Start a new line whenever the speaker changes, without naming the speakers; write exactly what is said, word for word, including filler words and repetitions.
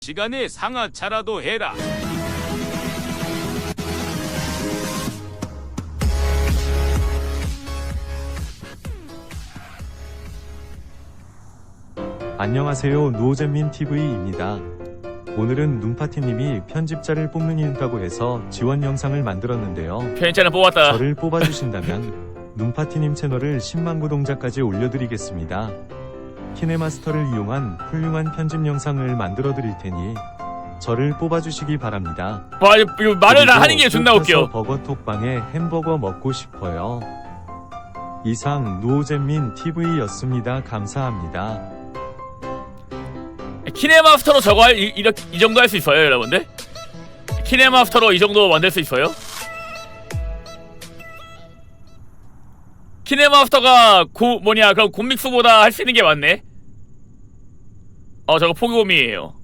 시간에 상하차라도 해라.
안녕하세요, 노잼민티브이입니다. 오늘은 눈파티님이 편집자를 뽑는 이유라고 해서 지원 영상을 만들었는데요.
편집자를 뽑았다.
저를 뽑아주신다면 눈파티님 채널을 십만 구독자까지 올려드리겠습니다. 키네마스터를 이용한 훌륭한 편집 영상을 만들어드릴 테니 저를 뽑아주시기 바랍니다.
와, 이거 말을 다 하는 게 존나 웃겨.
버거톡방에 햄버거 먹고 싶어요. 이상 노잼민티브이였습니다. 감사합니다.
키네마스터로 저거 할, 이, 이렇게, 이 정도 할 수 있어요, 여러분들? 키네마스터로 이 정도 만들 수 있어요? 키네마스터가 고, 뭐냐, 그럼 곰믹스보다 할 수 있는 게 많네? 어, 저거 포기곰이에요.